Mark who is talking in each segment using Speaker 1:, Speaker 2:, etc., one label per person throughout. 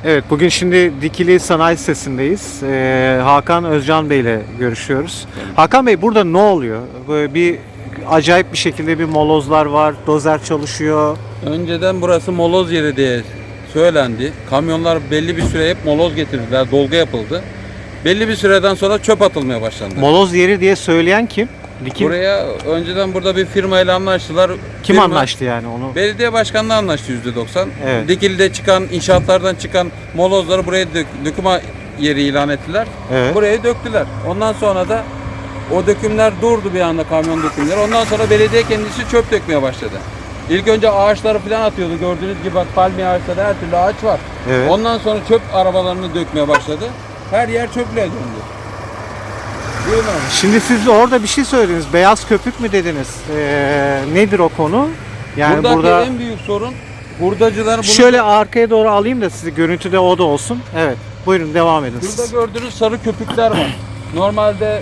Speaker 1: Evet, bugün şimdi Dikili Sanayi Sitesi'ndeyiz. Hakan Özcan Bey ile görüşüyoruz. Hakan Bey, burada ne oluyor? Böyle bir acayip bir şekilde bir molozlar var, dozer çalışıyor.
Speaker 2: Önceden burası moloz yeri diye söylendi. Kamyonlar belli bir süre hep moloz getirdiler, dolgu yapıldı. Belli bir süreden sonra çöp atılmaya başlandı.
Speaker 1: Moloz yeri diye söyleyen kim? Dikili.
Speaker 2: Buraya önceden burada bir firmayla anlaştılar.
Speaker 1: Kim
Speaker 2: Firma-
Speaker 1: anlaştı yani onu?
Speaker 2: Belediye başkanlığı anlaştı %90.
Speaker 1: Evet.
Speaker 2: Dikili'de çıkan, inşaatlardan çıkan molozları buraya döküme yeri ilan ettiler.
Speaker 1: Evet.
Speaker 2: Buraya döktüler. Ondan sonra da o dökümler durdu bir anda, kamyon dökümleri. Ondan sonra belediye kendisi çöp dökmeye başladı. İlk önce ağaçları falan atıyordu. Gördüğünüz gibi bak, palmiye ağaçları, her türlü ağaç var.
Speaker 1: Evet.
Speaker 2: Ondan sonra çöp arabalarını dökmeye başladı. Her yer çöple döndü. Değil mi?
Speaker 1: Şimdi siz de orada bir şey söylediniz. Beyaz köpük mü dediniz? Nedir o konu? Yani
Speaker 2: Buradaki
Speaker 1: burada
Speaker 2: en büyük sorun hurdacılar bunu...
Speaker 1: şöyle arkaya doğru alayım da sizi, görüntüde o da olsun. Evet. Buyurun, devam edin
Speaker 2: Şurada
Speaker 1: siz.
Speaker 2: gördüğünüz sarı köpükler var. Normalde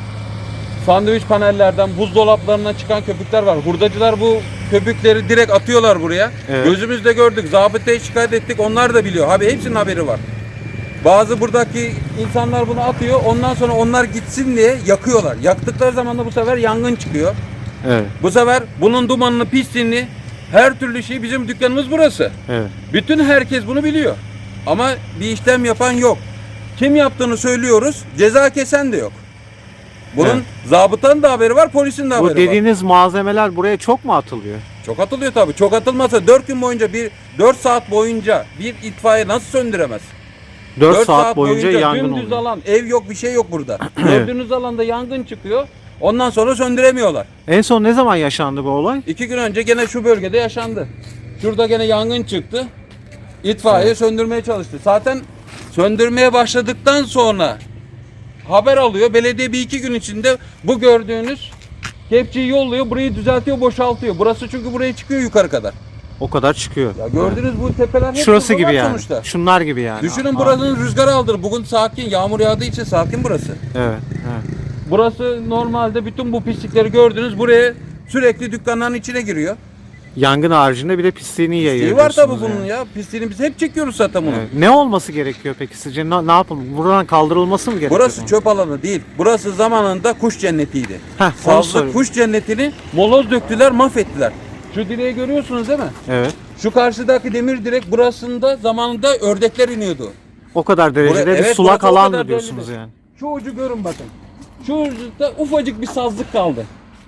Speaker 2: sandviç panellerden, buzdolaplarından çıkan köpükler var. Hurdacılar bu köpükleri direkt atıyorlar buraya.
Speaker 1: Evet.
Speaker 2: Gözümüzde gördük. Zabıtaya şikayet ettik. Onlar da biliyor. Abi hepsinin haberi var. Bazı buradaki insanlar bunu atıyor. Ondan sonra onlar gitsin diye yakıyorlar. Yaktıkları zaman da bu sefer yangın çıkıyor.
Speaker 1: Evet.
Speaker 2: Bu sefer bunun dumanını, pisliğini, her türlü şey, bizim dükkanımız burası.
Speaker 1: Evet.
Speaker 2: Bütün herkes bunu biliyor. Ama bir işlem yapan yok. Kim yaptığını söylüyoruz, ceza kesen de yok. Bunun
Speaker 1: Evet.
Speaker 2: zabıtanın da haberi var, polisin de haberi
Speaker 1: Bu
Speaker 2: var.
Speaker 1: dediğiniz malzemeler buraya çok mu atılıyor?
Speaker 2: Çok atılıyor tabii. Çok atılmasa 4 gün boyunca, 4 saat boyunca bir itfaiye nasıl söndüremez?
Speaker 1: 4 saat boyunca yangın
Speaker 2: dümdüz
Speaker 1: oluyor.
Speaker 2: alan, ev yok, bir şey yok burada. Gördüğünüz alanda yangın çıkıyor. Ondan sonra söndüremiyorlar.
Speaker 1: En son ne zaman yaşandı bu olay?
Speaker 2: 2 gün önce gene şu bölgede yaşandı. Şurada gene yangın çıktı. İtfaiye söndürmeye çalıştı. Zaten söndürmeye başladıktan sonra haber alıyor. Belediye bir iki gün içinde bu gördüğünüz kepçeyi yolluyor. Burayı düzeltiyor, boşaltıyor. Burası çünkü buraya çıkıyor yukarı kadar.
Speaker 1: O kadar çıkıyor.
Speaker 2: Ya gördüğünüz bu tepeler hep
Speaker 1: Şurası gibi
Speaker 2: buzullar
Speaker 1: yani.
Speaker 2: sonuçta.
Speaker 1: Şunlar gibi yani.
Speaker 2: Düşünün, buranın rüzgar aldır. Bugün sakin, yağmur yağdığı için sakin burası.
Speaker 1: Evet. Evet.
Speaker 2: Burası normalde bütün bu pislikleri gördünüz. Buraya sürekli dükkanların içine giriyor.
Speaker 1: Yangın haricinde bir de pisliğini yayıyor.
Speaker 2: İyi var tabii
Speaker 1: diyorsunuz
Speaker 2: bunun
Speaker 1: yani.
Speaker 2: ya. Pisliğini biz hep çekiyoruz zaten bunu.
Speaker 1: Evet. Ne olması gerekiyor peki sizce? Ne yapalım? Buradan kaldırılması mı gerekiyor?
Speaker 2: Burası çöp alanı değil. Burası zamanında kuş cennetiydi.
Speaker 1: Heh, onu
Speaker 2: Sazlı
Speaker 1: soruyorum.
Speaker 2: kuş cennetini moloz döktüler, mahvettiler. Şu direği görüyorsunuz değil mi?
Speaker 1: Evet.
Speaker 2: Şu karşıdaki demir direk burasında zamanında ördekler iniyordu.
Speaker 1: O kadar derecede bir
Speaker 2: Evet,
Speaker 1: sulak
Speaker 2: burası o
Speaker 1: alan
Speaker 2: kadar
Speaker 1: mı diyorsunuz
Speaker 2: belli.
Speaker 1: yani?
Speaker 2: Şu ucu görün bakın. Şu ucunda ufacık bir sazlık kaldı.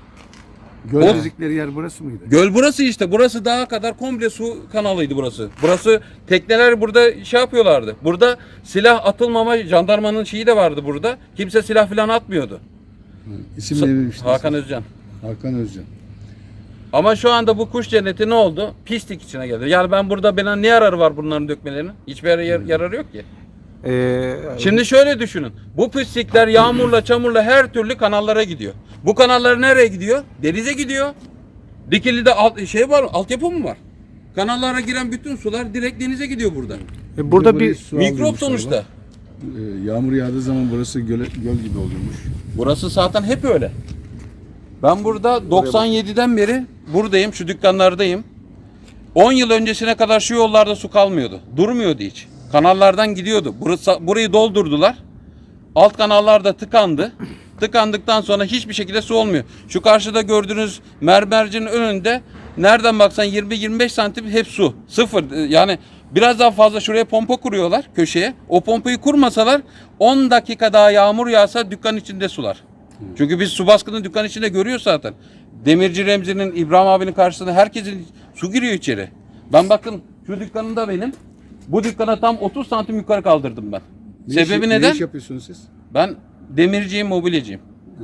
Speaker 3: Göl dedikleri yer burası mıydı?
Speaker 2: Göl burası işte. Burası dağa kadar komple su kanalıydı burası. Burası, tekneler burada şey yapıyorlardı. Burada silah atılmama, jandarmanın şeyi de vardı burada. Kimse silah falan atmıyordu.
Speaker 3: İsim ne demiştiniz?
Speaker 2: Hakan Özcan.
Speaker 3: Hakan Özcan.
Speaker 2: Ama şu anda bu kuş cenneti ne oldu? Pislik içine geldi. Yani ben burada, bana ne yararı var bunların dökmelerinin? Hiçbir yararı yok ki. Şimdi şöyle düşünün. Bu pislikler yağmurla, çamurla her türlü kanallara gidiyor. Bu kanallar nereye gidiyor? Denize gidiyor. Dikili'de şey var, altyapı mı var? Kanallara giren bütün sular direkt denize gidiyor burada.
Speaker 1: Burada
Speaker 3: Burayı
Speaker 1: bir
Speaker 3: su
Speaker 2: Mikrop
Speaker 3: aldırmışlar
Speaker 2: sonuçta.
Speaker 3: bak. Yağmur yağdığı zaman burası göl gibi oluyormuş.
Speaker 2: Burası zaten hep öyle. Ben burada 97'den beri buradayım, şu dükkanlardayım. 10 yıl öncesine kadar şu yollarda su kalmıyordu. Durmuyordu hiç. Kanallardan gidiyordu. Burayı doldurdular. Alt kanallar da tıkandı. Tıkandıktan sonra hiçbir şekilde su olmuyor. Şu karşıda gördüğünüz mermercinin önünde nereden baksan 20-25 santim hep su. Sıfır. Yani biraz daha fazla şuraya pompa kuruyorlar köşeye. O pompayı kurmasalar 10 dakika daha yağmur yağsa dükkan içinde sular. Çünkü biz su baskını dükkan içinde görüyoruz zaten. Demirci Remzi'nin, İbrahim abinin karşısında herkesin su giriyor içeri. Ben bakın şu dükkanında benim. Bu dükkana tam 30 santim yukarı kaldırdım ben. Sebebi neden?
Speaker 3: Ne iş yapıyorsunuz siz?
Speaker 2: Ben demirciyim, mobilyacıyım.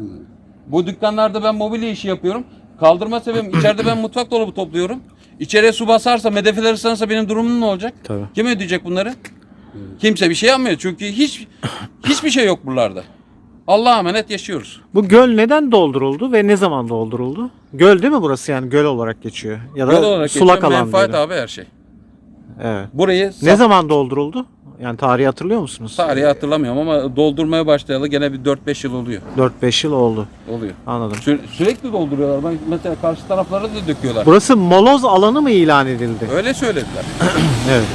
Speaker 2: Bu dükkanlarda ben mobilya işi yapıyorum. Kaldırma sebebim, içeride ben mutfak dolabı topluyorum. İçeriye su basarsa, medefeler ıslanırsa benim durumum ne olacak?
Speaker 1: Tabii.
Speaker 2: Kim ödeyecek bunları? Kimse bir şey yapmıyor. Çünkü hiçbir şey yok buralarda. Allah'a emanet yaşıyoruz.
Speaker 1: Bu göl neden dolduruldu ve ne zaman dolduruldu? Göl değil mi burası, yani göl olarak geçiyor ya da
Speaker 2: Göl olarak
Speaker 1: sulak
Speaker 2: geçiyor,
Speaker 1: alan
Speaker 2: menfaat
Speaker 1: diyelim.
Speaker 2: abi her şey.
Speaker 1: Evet.
Speaker 2: Burayı
Speaker 1: Ne zaman dolduruldu? Yani tarihi hatırlıyor musunuz?
Speaker 2: tarihi hatırlamıyorum ama doldurmaya başlayalı gene bir 4-5 yıl oluyor.
Speaker 1: 4-5 yıl oldu.
Speaker 2: Oluyor.
Speaker 1: Anladım.
Speaker 2: Sürekli dolduruyorlar. Ben mesela karşı taraflara da döküyorlar.
Speaker 1: Burası moloz alanı mı ilan edildi?
Speaker 2: Öyle söylediler.
Speaker 1: Evet.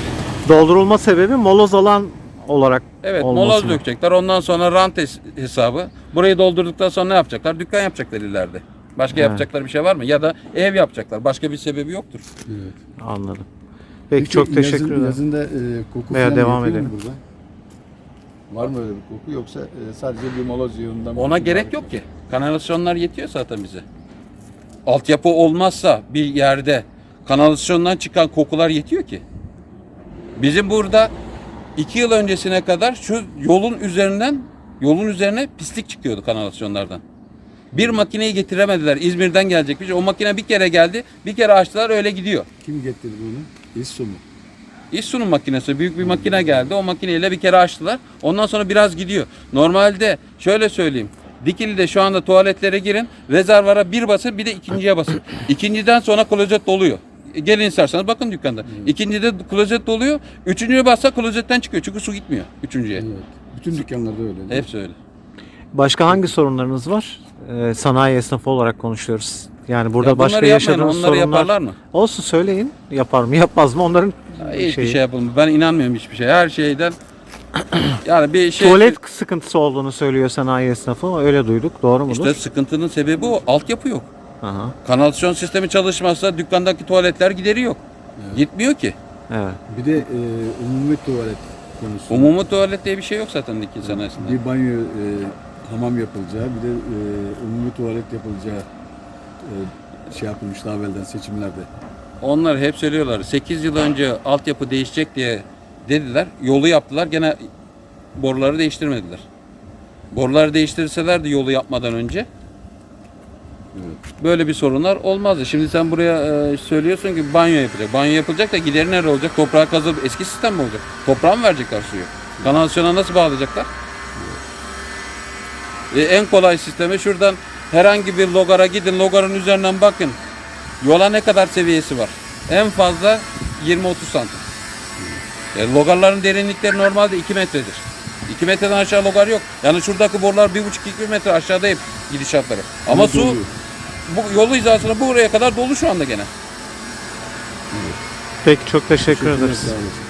Speaker 1: Doldurulma sebebi moloz alan olarak
Speaker 2: Evet,
Speaker 1: olması
Speaker 2: moloz
Speaker 1: mı?
Speaker 2: dökecekler. Ondan sonra rant hesabı. Burayı doldurduktan sonra ne yapacaklar? Dükkan yapacaklar ileride. Başka yapacakları bir şey var mı? Ya da ev yapacaklar. Başka bir sebebi yoktur.
Speaker 3: Evet.
Speaker 1: Anladım. Peki çok teşekkür ederim.
Speaker 3: Yazında koku
Speaker 1: Veya
Speaker 3: falan
Speaker 1: devam
Speaker 3: yapıyor mu
Speaker 1: edelim.
Speaker 3: burada? Var mı öyle bir koku yoksa sadece bir moloz yığınından mı?
Speaker 2: Ona gerek yok ki. Kanalizasyonlar yetiyor zaten bize. Altyapı olmazsa bir yerde kanalizasyondan çıkan kokular yetiyor ki. Bizim burada 2 yıl öncesine kadar şu yolun üzerine pislik çıkıyordu kanalizasyonlardan. Bir makineyi getiremediler. İzmir'den gelecek bir şey. O makine bir kere geldi. Bir kere açtılar öyle gidiyor.
Speaker 3: Kim getirdi bunu? İSSU mu?
Speaker 2: İSSU'nun makinesi büyük bir makine geldi. O makineyle bir kere açtılar. Ondan sonra biraz gidiyor. Normalde şöyle söyleyeyim. Dikili'de şu anda tuvaletlere girin. Rezervara bir basın bir de ikinciye basın. İkinciden sonra klozet doluyor. Gelin isterseniz bakın dükkanda. İkincide klozet doluyor. Üçüncüye bassa klozetten çıkıyor. Çünkü su gitmiyor üçüncüye.
Speaker 3: Evet. Bütün dükkanlarda öyle. değil mi?
Speaker 2: Hepsi öyle.
Speaker 1: Başka hangi sorunlarınız var? Sanayi esnafı olarak konuşuyoruz. Yani burada
Speaker 2: Ya bunları
Speaker 1: başka
Speaker 2: yapmayın,
Speaker 1: yaşadığınız
Speaker 2: onları
Speaker 1: sorunlar
Speaker 2: yaparlar mı?
Speaker 1: olsun, söyleyin. Yapar mı yapmaz mı onların
Speaker 2: Hiçbir
Speaker 1: şeyi.
Speaker 2: şey yapılmıyor. Ben inanmıyorum hiçbir şey. Her şeyden yani bir şey
Speaker 1: Tuvalet sıkıntısı olduğunu söylüyor sanayi esnafı. Öyle duyduk. Doğru mudur?
Speaker 2: işte sıkıntının sebebi o. Altyapı yok.
Speaker 1: Aha,
Speaker 2: Kanalizasyon sistemi çalışmazsa dükkandaki tuvaletler gideri yok. Gitmiyor ki.
Speaker 1: evet.
Speaker 3: Bir de umumi tuvalet konusu.
Speaker 2: Umumi tuvalet diye bir şey yok zaten Dikili sanayisinde.
Speaker 3: Bir banyo, hamam yapılacağı, bir de umumi tuvalet yapılacağı şey yapılmış daha evvelden seçimlerde.
Speaker 2: Onlar hep söylüyorlar. 8 yıl önce altyapı değişecek diye dediler. Yolu yaptılar. Gene boruları değiştirmediler. Boruları değiştirselerdi yolu yapmadan önce böyle bir sorunlar olmazdı. Şimdi sen buraya söylüyorsun ki banyo yapacak. Banyo yapılacak da gideri nerede olacak? Toprağa kazıp eski sistem mi olacak? Toprağa mı verecekler suyu? Kanalizasyona nasıl bağlayacaklar? En kolay sistemi şuradan herhangi bir logara gidin. Logarın üzerinden bakın. Yola ne kadar seviyesi var? En fazla 20-30 santim. Logarların derinlikleri normalde 2 metredir. 2 metreden aşağı logar yok. Yani şuradaki borular 1,5-2 metre aşağıda hep gidişatları. Ama su
Speaker 3: doluyor.
Speaker 2: bu yolu hizasına buraya kadar dolu şu anda gene.
Speaker 1: Peki çok teşekkür ederiz.
Speaker 3: Sağ olasın.